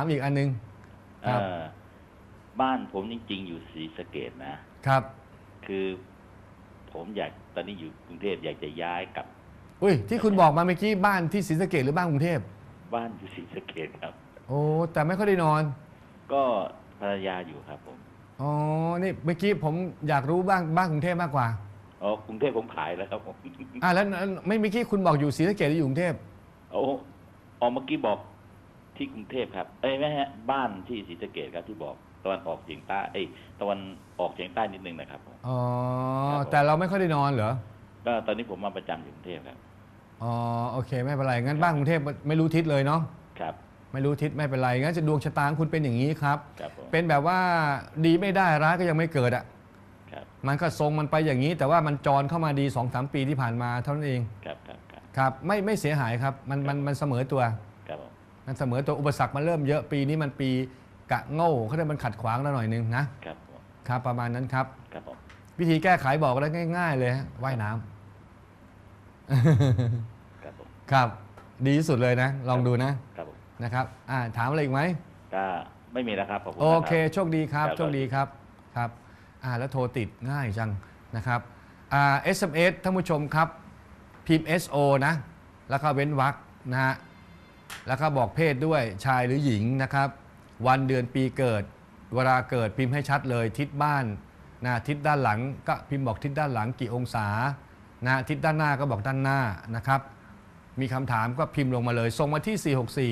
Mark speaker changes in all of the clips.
Speaker 1: ามอีกอันนึงครับ
Speaker 2: บ้านผมจริงๆอยู่ศรีสะเกษนะครับคือผมตอนนี้อยู่กรุงเทพอยากจะย้ายกลับ
Speaker 1: อุ้ยที่คุณบอกมาเมื่อกี้บ้านที่ศรีสะเกษหรือบ้านกรุงเทพ
Speaker 2: บ้านอยู่ศรีสะเกษครับ
Speaker 1: โอ้แต่ไม่ค่อยได้นอน
Speaker 2: ก็ภรรยาอยู่ครับผม
Speaker 1: อ๋อนี่เมื่อกี้ผมอยากรู้บ้านกรุงเทพมากกว่า
Speaker 2: อ๋อกรุงเทพผมขายแล้วครับผม
Speaker 1: แล้วไม่เมื่อกี้คุณบอกอยู่ศรีสะเกษหรืออยู่กรุงเทพ
Speaker 2: โอ้เมื่อกี้บอกที่กรุงเทพครับไม่ฮะบ้านที่ศรีสะเกษครับที่บอกตะวันออกเฉียงใต้ตะวันออกเฉียงใต้นิดนึงนะครับ
Speaker 1: อ๋อแต่เราไม่ค่อยได้นอนเหรอ
Speaker 2: ก็ตอนนี้ผมมาประจำอยู่กรุงเทพครับ
Speaker 1: อ๋อโอเคไม่เป็นไรงั้นบ้านกรุงเทพไม่รู้ทิศเลยเนาะ
Speaker 2: ครับ
Speaker 1: ไม่รู้ทิศไม่เป็นไรงั้นจะดวงชะตาของคุณเป็นอย่างนี้ครับ
Speaker 2: ครับ
Speaker 1: เป็นแบบว่าดีไม่ได้ร้ายก็ยังไม่เกิดอ่ะมันก็ทรงมันไปอย่างนี้ แต่ว่ามันจรเข้ามาดี 2-3 ปีที่ผ่านมาเท่านั้นเองครับไม่เสียหายครับมันเสมอตัวมันเสมอตัวอุปสรรคมันเริ่มเยอะปีนี้มันปีกะโง่เขาเรียกมันขัดขวางเราหน่อยนึงนะครับประมาณนั้นครับวิธีแก้ไขบอกแล้วง่ายๆเลยว่ายน้ำครับดีที่สุดเลยนะลองดูนะครับถามอะไรอีกไหม
Speaker 2: ก็ไม่มีแล้วครับ
Speaker 1: โอเคโชคดีครับโชคดีครับครับแล้วโทรติดง่ายจังนะครับSMS ท่านผู้ชมครับพิมพ์ SO นะแล้วก็เว้นวรรคนะฮะแล้วก็บอกเพศด้วยชายหรือหญิงนะครับวันเดือนปีเกิดเวลาเกิดพิมพ์ให้ชัดเลยทิศบ้านนะทิศด้านหลังก็พิมพ์บอกทิศด้านหลังกี่องศานะทิศด้านหน้าก็บอกด้านหน้านะครับมีคำถามก็พิมพ์ลงมาเลยส่งมาที่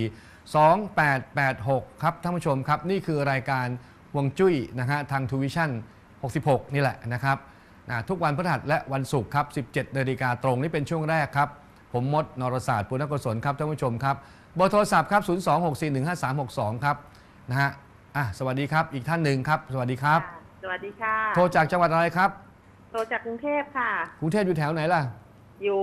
Speaker 1: 464-2886 ครับท่านผู้ชมครับนี่คือรายการฮวงจุ้ยนะฮะทางทูวิชั่น66นี่แหละนะครับทุกวันพฤหัสและวันศุกร์ครับ 17 นาฬิกาตรงนี่เป็นช่วงแรกครับผมมดนรศาสตร์ปุณณกุศลครับท่านผู้ชมครับเบอร์โทรศัพท์ครับ 026415362 ครับนะฮะสวัสดีครับอีกท่านหนึ่งครับสวัสดีครับ
Speaker 3: สวัสดีค่ะ
Speaker 1: โทรจากจังหวัดอะไรครับ
Speaker 3: โทรจากกรุงเทพค่ะ
Speaker 1: กรุงเทพอยู่แถวไหนล่ะ
Speaker 3: อยู่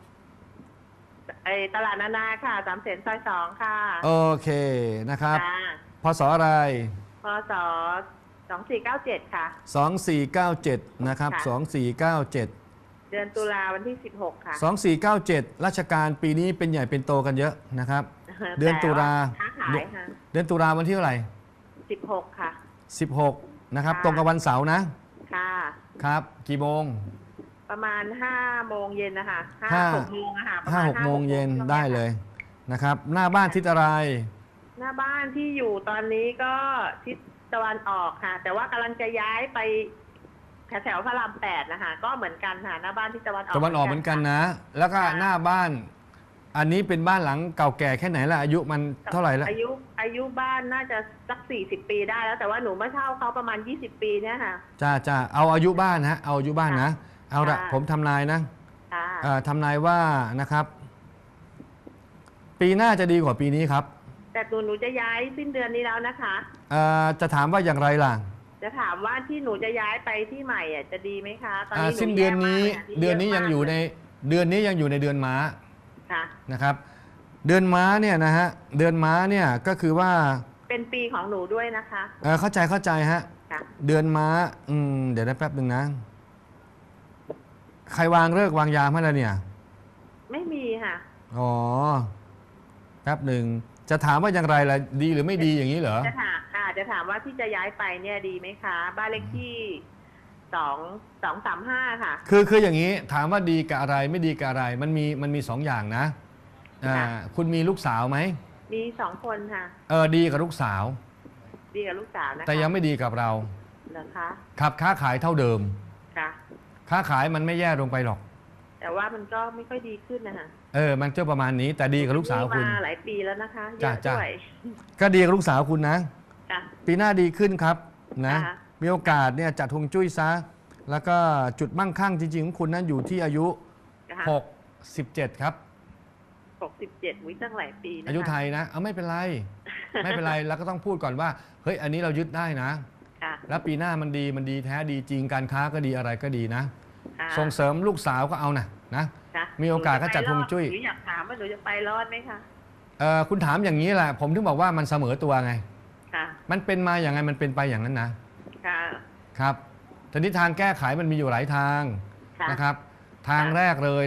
Speaker 3: ตลาดนานาค่ะ3 เสนซอย 2ค่ะ
Speaker 1: โอเคนะครับพศอะไร
Speaker 3: พศ2497ค่ะ
Speaker 1: 2497นะครับ2497
Speaker 3: เดือนตุลาวันที่16ค่ะ
Speaker 1: 2497ราชการปีนี้เป็นใหญ่เป็นโตกันเยอะนะครับเดือนตุลาเดือนตุลาวันที่เท่าไหร่
Speaker 3: 16ค่ะ
Speaker 1: 16นะครับตรงกับวันเสาร์นะ
Speaker 3: ค่ะ
Speaker 1: ครับกี่โมง
Speaker 3: ประมาณ5 โมงเย็นนะคะ5-6 โมงค่ะ
Speaker 1: 5-6 โมงเย็นได้เลยนะครับหน้าบ้านทิศอะไร
Speaker 3: หน้าบ้านที่อยู่ตอนนี้ก็ทิศตะวันออกค่ะแต่ว่ากำลังจะย้ายไปแถวพระราม8นะคะก็เหมือนกันค่ะหน้าบ้านที่ตะวันออก
Speaker 1: เหมือนกันนะแล้วก็หน้าบ้านอันนี้เป็นบ้านหลังเก่าแก่แค่ไหนล่ะอายุมันเท่าไหร่แล้ว
Speaker 3: อายุบ้านน่าจะสัก40 ปีได้แล้วแต่ว่าหนูมาเช่าเขาประมาณ20 ปีเนี่ยค่ะ
Speaker 1: จ้าเอาอายุบ้านเอาอายุบ้านนะเอาละผมทำนายนะทำนายว่านะครับปีหน้าจะดีกว่าปีนี้ครับ
Speaker 3: แต่หนูจะย้ายสิ้นเดือนนี้แล้วนะคะ
Speaker 1: จะถามว่าอย่างไรล่ะ
Speaker 3: จะถามว่าที่หนูจะย้ายไปที่ใหม่จะดีไหมคะตอนนี้
Speaker 1: สิ้นเดือนนี้ยังอยู่ในเดือนนี้ยังอยู่ในเดือนม้านะครับเดือนม้าเนี่ยนะฮะเดือนม้าเนี่ยก็คือว่า
Speaker 3: เป็นปีของหนูด้วยนะคะ
Speaker 1: เข้าใจฮะเดือนม้าเดี๋ยวได้แป๊บหนึ่งนะใครวางฤกษ์วางยามให้แล้วเนี่ย
Speaker 3: ไม่มีค่ะ
Speaker 1: อ๋อแป๊บหนึ่งจะถามว่าอย่างไรล่ะดีหรือไม่ดีอย่างนี้เหรอ
Speaker 3: จะถามว่าที่จะย้ายไปเนี่ยดีไหมคะบ้านเลขที่235ค่ะ
Speaker 1: คืออย่างนี้ถามว่าดีกับอะไรไม่ดีกับอะไรมันมี2 อย่างนะคุณมีลูกสาวไหม
Speaker 3: มี2 คนค่ะ
Speaker 1: ดีกับลูกสาว
Speaker 3: นะคะ
Speaker 1: แต่ยังไม่ดีกับเรา
Speaker 3: เหรอคะ
Speaker 1: ครับค้าขายเท่าเดิม
Speaker 3: ค่ะ
Speaker 1: ค้าขายมันไม่แย่ลงไปหรอก
Speaker 3: แต่ว่ามันก็ไม่ค่อยดีขึ้นนะคะ
Speaker 1: มันจะประมาณนี้แต่ดีกับลูกสาวคุณ
Speaker 3: มาหลายปีแล้วนะคะเยอะด้วย
Speaker 1: ก็ดีกับลูกสาวคุณนะปีหน้าดีขึ้นครับนะมีโอกาสเนี่ยจัดฮวงจุ้ยซะแล้วก็จุดมั่งคั่งจริงๆของคุณนั้นอยู่ที่อายุ67ครับ
Speaker 3: 67วิตั้งหลายปี
Speaker 1: อายุไทยนะไม่เป็นไรไม่เป็นไรแล้วก็ต้องพูดก่อนว่าเฮ้ยอันนี้เรายึดได้นะแล้วปีหน้ามันดีแท้ดีจริงการค้าก็ดีอะไรก็ดีนะส่งเสริมลูกสาวก็เอานะมีโอกาสก็จัดฮวงจุ้ย
Speaker 3: หนูอยากถามว่าหนูจะไปรอดไหมคะ
Speaker 1: คุณถามอย่างนี้แหละผมถึงบอกว่ามันเสมอตัวไงมันเป็นมาอย่างไงมันเป็นไปอย่างนั้นนะครับทีนี้ทางแก้ไขมันมีอยู่หลายทางนะครับทางแรกเลย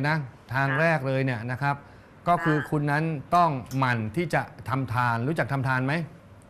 Speaker 1: เนี่ยนะครับก็คือคุณนั้นต้องหมั่นที่จะทำทานรู้จักทำทานไหม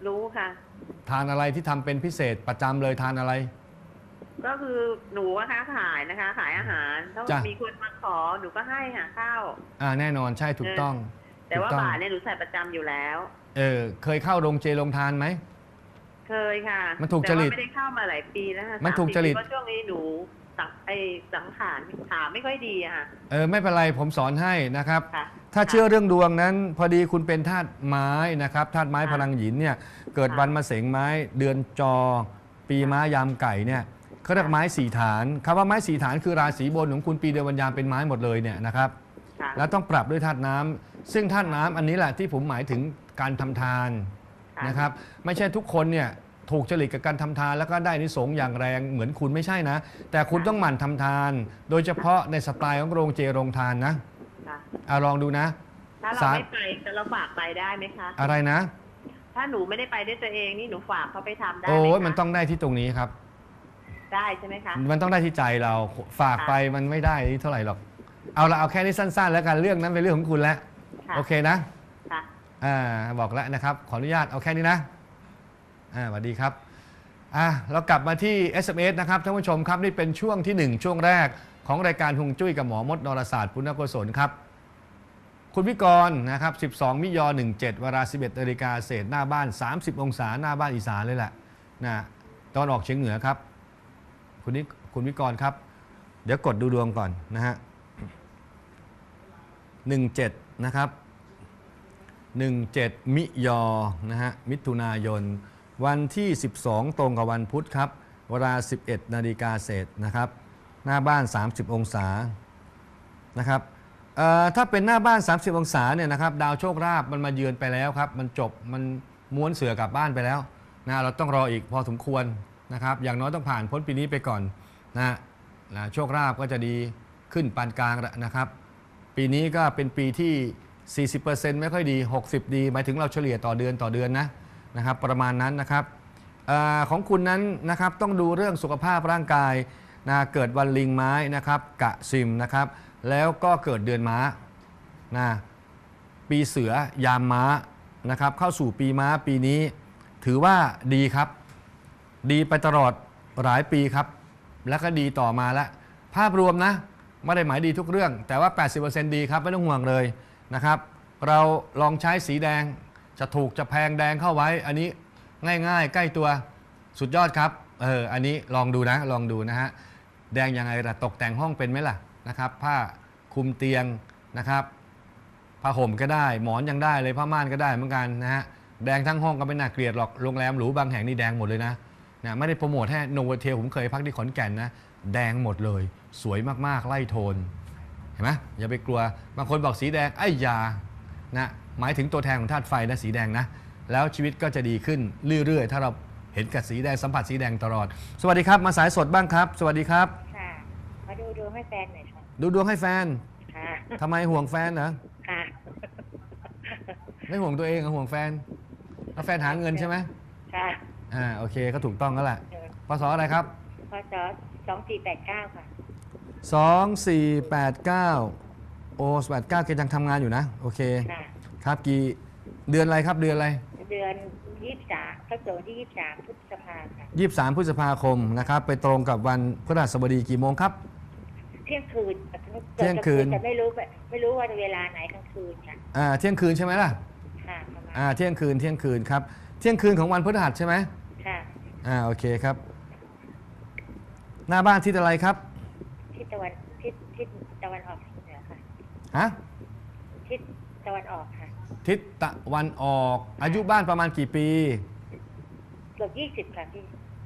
Speaker 3: รู้ค่ะ
Speaker 1: ทานอะไรที่ทำเป็นพิเศษประจำเลยทานอะไร
Speaker 3: ก็คือหนูอะค้าขายนะคะ ขายอาหารถ้า
Speaker 1: จ้ะ
Speaker 3: มีคนมาขอหนูก็ให้หาข้าว
Speaker 1: แน่นอนใช่ถูกต้อง
Speaker 3: แต่ว่า
Speaker 1: ถูกต้อง
Speaker 3: บาทเนี่ยหนูใส่ประจำอยู่แล้ว
Speaker 1: เคยเข้าโรงเจโรงทานไหม
Speaker 3: เคยค่ะ
Speaker 1: มันถูกจริต
Speaker 3: แต่ว่าไม่ได้เข้ามาหลายปีแล้วค่ะ
Speaker 1: มันถูกจริต
Speaker 3: เพราะช่วงนี้หนูสังขารขาไม่ค่อยดีอะค่ะ
Speaker 1: ไม่เป็นไรผมสอนให้นะครับ
Speaker 3: ค่ะ
Speaker 1: ถ้าเชื่อเรื่องดวงนั้น พอดีคุณเป็นธาตุไม้นะครับธาตุไม้
Speaker 3: ค่ะ
Speaker 1: พลังหยินเนี่ยเกิด
Speaker 3: ค่ะ
Speaker 1: วันมะเสงไม้เดือนจอ ปีม้ายามไก่เนี่ยเขาเรียกไม้สี่ฐานคำว่าไม้สี่ฐานคือราศีบนของคุณปีเดือนวันยามเป็นไม้หมดเลยเนี่ยนะครับ
Speaker 3: ค่ะ
Speaker 1: แล้วต้องปรับด้วยธาตุน้ำซึ่งธาตุน้ำอันนี้แหละที่ผมหมายถึงการทำทาน
Speaker 3: ค่ะ
Speaker 1: นะครับไม่ใช่ทุกคนเนี่ยถูกจริตกับการทำทานแล้วก็ได้อานิสงส์อย่างแรงเหมือนคุณไม่ใช่นะ แต่คุณต้องหมั่นทำทาน โดยเฉพาะในสไตล์ของโรงเจโรงทานนะ
Speaker 3: ค่ะ
Speaker 1: ลองดูนะ
Speaker 3: ถ้าเราไม่ไปแต่เราฝากไปได้ไหมคะ
Speaker 1: อะไรนะ
Speaker 3: ถ้าหนูไม่ได้ไปด้วยตัวเองนี่หนูฝากเขาไปทำได้ไหม
Speaker 1: โอ้ย
Speaker 3: คะ
Speaker 1: มันต้องได้ที่ตรงนี้ครับ
Speaker 3: ได้ใช่ไหมคะ
Speaker 1: มันต้องได้ที่ใจเราฝากไปมันไม่ได้เท่าไหร่หรอกเอาแค่นี้สั้นๆ แล้วกันเรื่องนั้นเป็นเรื่องของคุณแล้ว
Speaker 3: ค่ะ
Speaker 1: โอเคนะ
Speaker 3: ค่ะ
Speaker 1: บอกแล้วนะครับขออนุญาตเอาแค่นี้นะสวัสดีครับเรากลับมาที่ SMS นะครับท่านผู้ชมครับนี่เป็นช่วงที่ 1 ช่วงแรกของรายการฮวงจุ้ยกับหมอมดนรศาสตร์ปุณณกุศลครับคุณวิกรณ์นะครับ12 มิยอ17 เวลา 11 นาฬิกาเศษหน้าบ้าน 30 องศาหน้าบ้านอีสานเลยแหละนะตอนออกเฉียงเหนือครับคุณวิกรณ์ครับเดี๋ยวกดดูดวงก่อนนะฮะ17นะครับ17 มิยอนะฮะมิถุนายนวันที่ 12 ตรงกับวันพุธครับเวลา 11 นาฬิกาเศษนะครับหน้าบ้าน 30 องศานะครับถ้าเป็นหน้าบ้าน 30 องศาเนี่ยนะครับดาวโชคลาภมันมาเยือนไปแล้วครับมันจบมันม้วนเสือกลับบ้านไปแล้วนะเราต้องรออีกพอสมควรนะครับอย่างน้อยต้องผ่านพ้นปีนี้ไปก่อนนะโชคลาภก็จะดีขึ้นปานกลางนะครับปีนี้ก็เป็นปีที่ 40% ไม่ค่อยดี 60 ดีหมายถึงเราเฉลี่ยต่อเดือนนะครับประมาณนั้นนะครับของคุณนั้นนะครับต้องดูเรื่องสุขภาพร่างกายนะเกิดวันลิงไม้นะครับกะซิมนะครับแล้วก็เกิดเดือนม้านะปีเสือยามม้านะครับเข้าสู่ปีม้าปีนี้ถือว่าดีครับดีไปตลอดหลายปีครับแล้วก็ดีต่อมาแล้วภาพรวมนะไม่ได้หมายดีทุกเรื่องแต่ว่า 80% ดีครับไม่ต้องห่วงเลยนะครับเราลองใช้สีแดงจะถูกจะแพงแดงเข้าไว้อันนี้ง่ายๆใกล้ตัวสุดยอดครับอันนี้ลองดูนะฮะแดงยังไงล่ะตกแต่งห้องเป็นไหมล่ะนะครับผ้าคลุมเตียงนะครับผ้าห่มก็ได้หมอนยังได้เลยผ้าม่านก็ได้เหมือนกันนะฮะแดงทั้งห้องก็ไม่น่าเกลียดหรอกโรงแรมหรูบางแห่งนี่แดงหมดเลยนะไม่ได้โปรโมทให้โนโวเทลผมเคยพักที่ขอนแก่นนะแดงหมดเลยสวยมากๆไล่โทนเห็นไหมอย่าไปกลัวบางคนบอกสีแดงไอ้ยานะหมายถึงตัวแทนของธาตุไฟนะสีแดงนะแล้วชีวิตก็จะดีขึ้นเรื่อยๆถ้าเราเห็นกับสีแดงสัมผัสสีแดงตลอดสวัสดีครับมาสายสดบ้างครับสวัสดีครับ
Speaker 4: ค่ะมาดูดวงให้แฟนหน่อยค่ะ
Speaker 1: ดูดวงให้แฟน
Speaker 4: ค่ะ
Speaker 1: ทำไมห่วงแฟนเหรอ
Speaker 4: ค่ะ
Speaker 1: ไม่ห่วงตัวเองห่วงแฟนแล้วแฟนหาเงินใช่ไหม
Speaker 4: ค่ะ
Speaker 1: โอเคก็ถูกต้องแล้วแหละพศอะไรครับ
Speaker 4: พศ2489 ค่ะ
Speaker 1: 2489โอ้89เกณฑ์ยังทำงานอยู่นะโอเค
Speaker 4: ค่ะ
Speaker 1: ครับกี่เดือนอะไรครับเดือนอะไร
Speaker 4: เดือน23ก็เกิดวันที่23พฤษภาค่ะ
Speaker 1: 23พฤษภาคมนะครับไปตรงกับวันพฤหัสบดีกี่โมงครับ
Speaker 4: เที่ยงคืน
Speaker 1: เที่ยงคืน
Speaker 4: แต่ไม่รู้ว่าเวลาไหนกลางคืนค่ะ
Speaker 1: เที่ยงคืนใช่ไหมล่ะ
Speaker 4: ค่ะประมาณ
Speaker 1: เที่ยงคืนครับเที่ยงคืนของวันพฤหัสใช่ไหม
Speaker 4: ค่ะ
Speaker 1: โอเคครับ หน้าบ้านทิศอะไรครับ
Speaker 4: ทิศตะวันออกเฉียงเหนือค่ะ
Speaker 1: ฮะ
Speaker 4: ทิศตะวันออกค่ะ
Speaker 1: ทิศตะวันออกอายุบ้านประมาณกี่ปี
Speaker 4: เกือบ20ค่ะพี่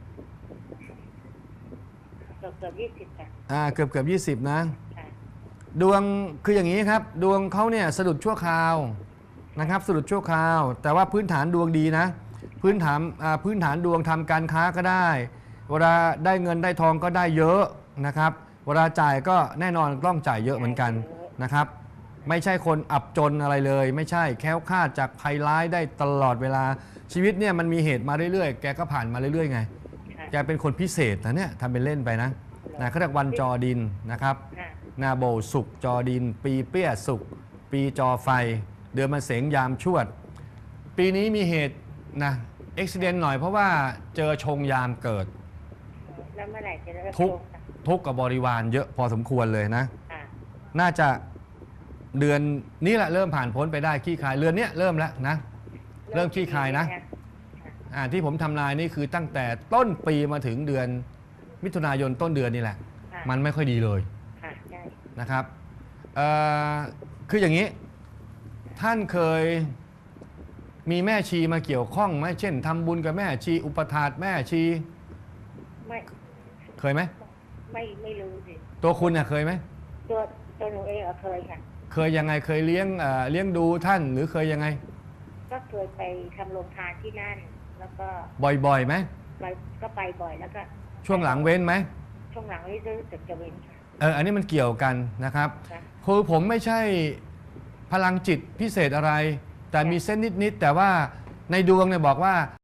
Speaker 4: เกือบ20ค่ะ
Speaker 1: เกือบ20นะ
Speaker 4: ค่ะ
Speaker 1: ดวงคืออย่างนี้ครับดวงเขาเนี่ยสะดุดชั่วคราวนะครับสะดุดชั่วคราว แต่ว่าพื้นฐานดวงดีนะพื้นฐานดวงทำการค้าก็ได้เวลาได้เงินได้ทองก็ได้เยอะนะครับเวลาจ่ายก็แน่นอนต้องจ่ายเยอะเหมือนกันนะครับไม่ใช่คนอับจนอะไรเลย ไม่ใช่แคล้วคลาดจากภัยร้ายได้ตลอดเวลาชีวิตเนี่ยมันมีเหตุมาเรื่อยๆแกก็ผ่านมาเรื่อยๆไง
Speaker 4: ค่ะ
Speaker 1: แกเป็นคนพิเศษนะเนี่ยทำเป็นเล่นไปนะเขาเรียกวันจอดินนะครับ
Speaker 4: ค่ะ
Speaker 1: นาโบสุกจอดิน ปีเปี้ยสุกปีจอไฟ เดือนมะเสงยามชวด ปีนี้มีเหตุนะเอ็กซิเดนต์หน่อยเพราะว่าเจอชงยามเกิด
Speaker 4: แล้วเมื่อไหร่จะเลิก
Speaker 1: ทุกข์
Speaker 4: ลงค่ะ
Speaker 1: ทุกข์กับบริวารเยอะพอสมควรเลยนะ
Speaker 4: ค่ะ
Speaker 1: น่าจะเดือนนี้แหละเริ่มผ่านพ้นไปได้ขี้คายเรือนเนี้ยเริ่มแล้วนะ เริ่มขี้คายนะ ที่ผมทำนายนี่คือตั้งแต่ต้นปีมาถึงเดือนมิถุนายนต้นเดือนนี่แหละ
Speaker 4: ค่ะ
Speaker 1: มันไม่ค่อยดีเลย
Speaker 4: ค่ะใช่
Speaker 1: นะครับคืออย่างนี้ ท่านเคยมีแม่ชีมาเกี่ยวข้องไหมเช่นทำบุญกับแม่ชีอุปถากแม่ชี
Speaker 4: ไม่
Speaker 1: เคยไหม
Speaker 4: ไม่รู้สิ
Speaker 1: ตัวคุณเนี่ยเคยไหม
Speaker 4: ตัวหนูเองเคยค่ะ
Speaker 1: เคยยังไงเคยเลี้ยงดูท่านหรือเคยยังไง
Speaker 4: ก็เคยไปทำโรงทานที่นั่น แล้วก็
Speaker 1: บ่อยๆไหม
Speaker 4: ก็ไปบ่อยแล้วก็
Speaker 1: ช่วงหลังเว้นไหม
Speaker 4: ช่วงหลังนี่รู้สึกจะเว้นค่ะ
Speaker 1: อันนี้มันเกี่ยวกันนะครับ
Speaker 4: ค่ะ
Speaker 1: คือผมไม่ใช่พลังจิตพิเศษอะไร แต่มีเส้นนิดๆแต่ว่าในดวงเนี่ยบอกว่า